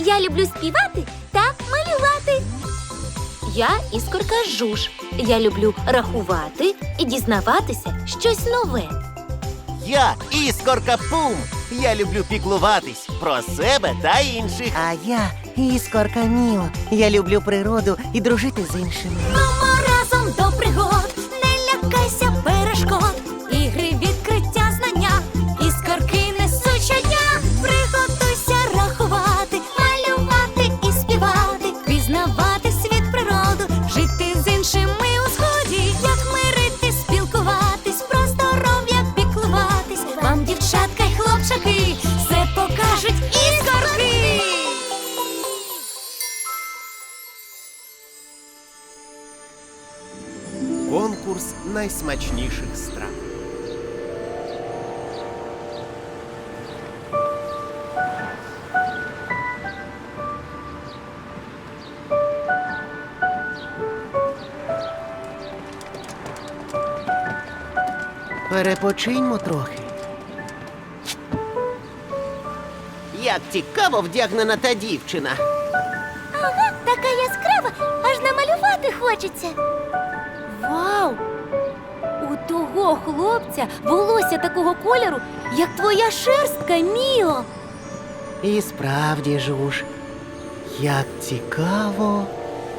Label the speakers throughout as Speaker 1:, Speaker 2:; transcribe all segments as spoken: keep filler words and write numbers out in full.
Speaker 1: Я люблю співати та малювати. Я Іскорка Жуж. Я люблю рахувати і дізнаватися щось нове.
Speaker 2: Я Іскорка Пум. Я люблю піклуватись про себе та інших.
Speaker 3: А я Іскорка Міо. Я люблю природу і дружити з іншими.
Speaker 1: Мамо, разом до пригод, не лякайся перешкод. Ігри, відкриття, знання, іскорки несуть щодня. Приготуйся рахувати, малювати і співати, пізнавати світ, природу, жити з іншими у сході. Як мирити, спілкуватись, про здоров'я піклуватись. Вам, дівчатка й хлопчаки, все покажуть іскорки.
Speaker 2: Конкурс найсмачніших страв.
Speaker 3: Перепочиньмо трохи.
Speaker 2: Як цікаво вдягнена та дівчина.
Speaker 1: Ага, така яскрава, аж намалювати хочеться. Вау! У того хлопця волосся такого кольору, як твоя шерстка, Міо.
Speaker 3: І справді, Жуж, як цікаво.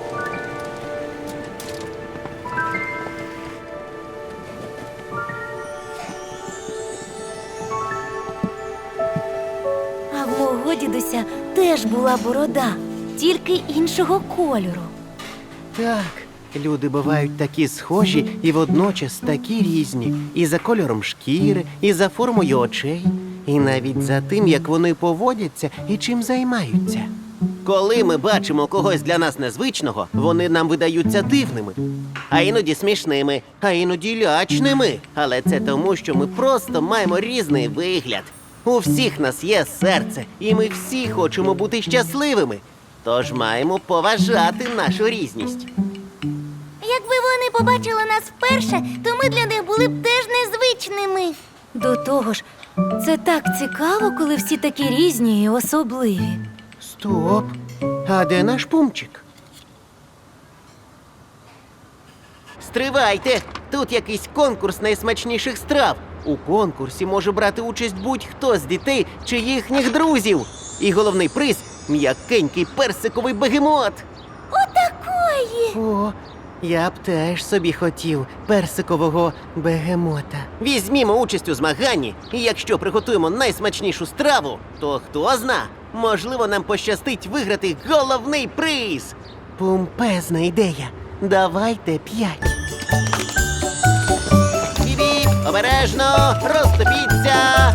Speaker 1: А в мого дідуся теж була борода, тільки іншого кольору.
Speaker 3: Так, люди бувають такі схожі і водночас такі різні. І за кольором шкіри, і за формою очей, і навіть за тим, як вони поводяться і чим займаються.
Speaker 2: Коли ми бачимо когось для нас незвичного, вони нам видаються дивними, а іноді смішними, а іноді лячними. Але це тому, що ми просто маємо різний вигляд. У всіх нас є серце, і ми всі хочемо бути щасливими. Тож маємо поважати нашу різність.
Speaker 1: Якби вони побачили нас вперше, то ми для них були б теж незвичними. До того ж, це так цікаво, коли всі такі різні і особливі.
Speaker 3: Стоп! А де наш Пумчик?
Speaker 2: Стривайте! Тут якийсь конкурс найсмачніших страв. У конкурсі може брати участь будь-хто з дітей чи їхніх друзів. І головний приз – м'якенький персиковий бегемот.
Speaker 1: Отакої!
Speaker 3: О, я б теж собі хотів персикового бегемота.
Speaker 2: Візьмімо участь у змаганні, і якщо приготуємо найсмачнішу страву, то хто зна, можливо, нам пощастить виграти головний приз.
Speaker 3: Помпезна ідея. Давайте п'ять.
Speaker 2: Біп-біп, обережно, розступіться.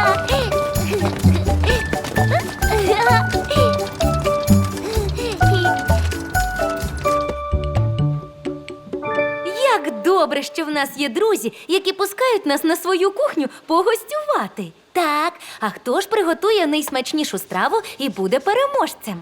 Speaker 1: Як добре, що в нас є друзі, які пускають нас на свою кухню погостювати. Так, а хто ж приготує найсмачнішу страву і буде переможцем?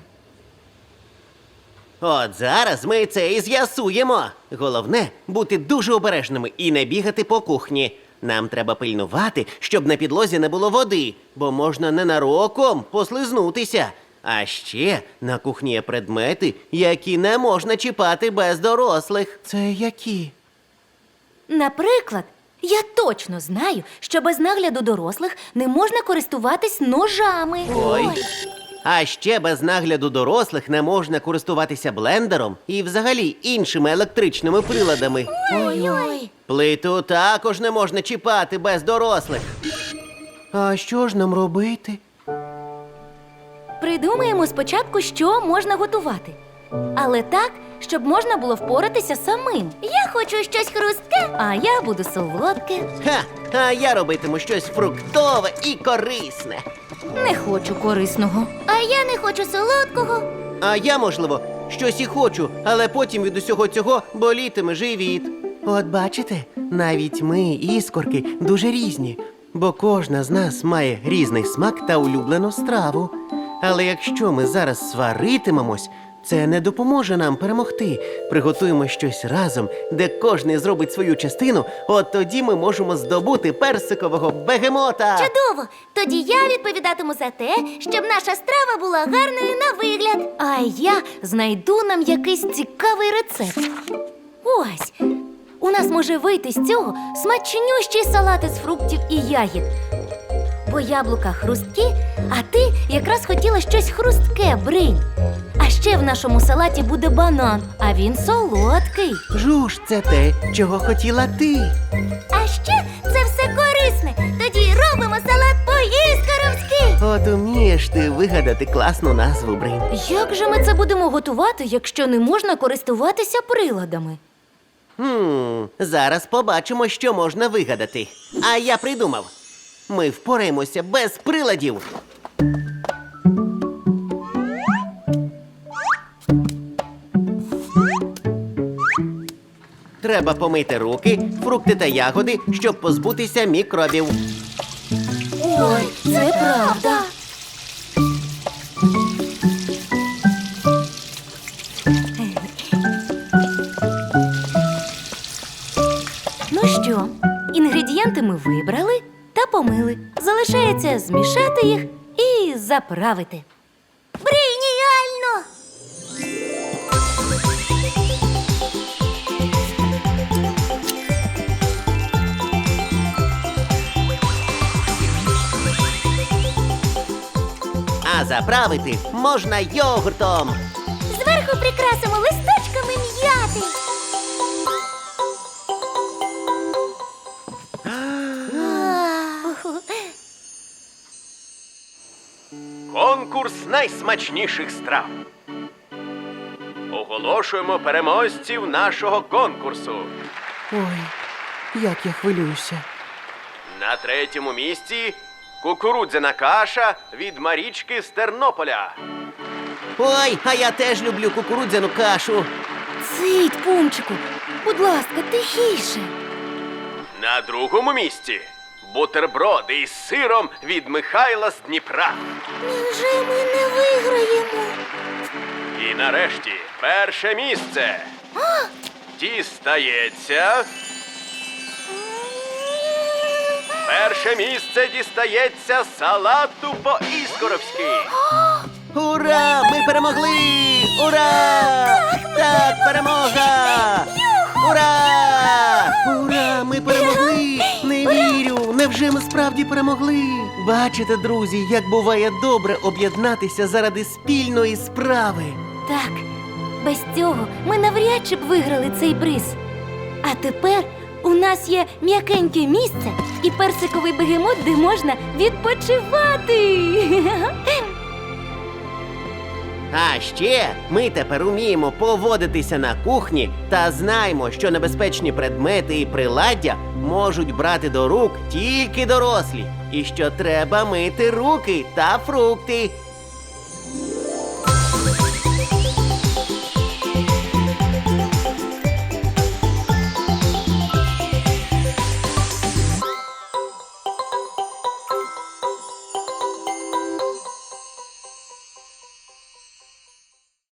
Speaker 2: От зараз ми це і з'ясуємо. Головне – бути дуже обережними і не бігати по кухні. Нам треба пильнувати, щоб на підлозі не було води, бо можна ненароком послизнутися. А ще на кухні є предмети, які не можна чіпати без дорослих.
Speaker 3: Це які?
Speaker 1: Наприклад, я точно знаю, що без нагляду дорослих не можна користуватись ножами.
Speaker 2: Ой. А ще без нагляду дорослих не можна користуватися блендером і взагалі іншими електричними приладами.
Speaker 1: Ой-ой.
Speaker 2: Плиту також не можна чіпати без дорослих.
Speaker 3: А що ж нам робити?
Speaker 1: Придумаємо спочатку, що можна готувати. Але так, щоб можна було впоратися самим. Я хочу щось хрустке, а я буду солодке.
Speaker 2: Ха! А я робитиму щось фруктове і корисне.
Speaker 1: Не хочу корисного. А я не хочу солодкого.
Speaker 2: А я, можливо, щось і хочу, але потім від усього цього болітиме живіт.
Speaker 3: От бачите, навіть ми, іскорки, дуже різні, бо кожна з нас має різний смак та улюблену страву. Але якщо ми зараз сваритимемось, Це не допоможе нам перемогти. Приготуємо щось разом, де кожний зробить свою частину, от тоді ми можемо здобути персикового бегемота.
Speaker 1: Чудово! Тоді я відповідатиму за те, щоб наша страва була гарною на вигляд. А я знайду нам якийсь цікавий рецепт. Ось! У нас може вийти з цього смачнющий салат із фруктів і ягід. Бо яблука хрусткі, а ти якраз хотіла щось хрустке, Бринь. А ще в нашому салаті буде банан, а він солодкий.
Speaker 3: Жуж, це те, чого хотіла ти.
Speaker 1: А ще це все корисне. Тоді робимо салат по-іскоровськи.
Speaker 3: От умієш ти вигадати класну назву, Бринь.
Speaker 1: Як же ми це будемо готувати, якщо не можна користуватися приладами?
Speaker 2: Хм, зараз побачимо, що можна вигадати. А я придумав. Ми впораємося без приладів. Треба помити руки, фрукти та ягоди, щоб позбутися мікробів.
Speaker 1: Ой, це правда. Ну що, інгредієнти ми вибрали та помили. Залишається змішати їх і заправити. Брініально!
Speaker 2: А заправити можна йогуртом.
Speaker 1: Зверху прикрасимо листочками м'яти.
Speaker 4: Конкурс найсмачніших страв. Оголошуємо переможців нашого конкурсу.
Speaker 3: Ой, як я хвилююся.
Speaker 4: На третьому місці кукурудзяна каша від Марічки з Тернополя.
Speaker 2: Ой, а я теж люблю кукурудзяну кашу.
Speaker 1: Цить, Пумчику, будь ласка, тихіше.
Speaker 4: На другому місці бутерброди із сиром від Михайла з Дніпра.
Speaker 1: Невже ми не виграємо?
Speaker 4: І нарешті перше місце дістається. Перше місце дістається салату по-іскоровськи.
Speaker 2: Ура! Ми перемогли! Ура! Так, перемога! Ура!
Speaker 3: Ура, ми перемогли! Не вірю! Невже ми справді перемогли? Бачите, друзі, як буває добре об'єднатися заради спільної справи.
Speaker 1: Так, без цього ми навряд чи б виграли цей приз. А тепер у нас є м'якеньке місце і персиковий бегемот, де можна відпочивати.
Speaker 2: А ще ми тепер уміємо поводитися на кухні та знаємо, що небезпечні предмети і приладдя можуть брати до рук тільки дорослі, і що треба мити руки та фрукти.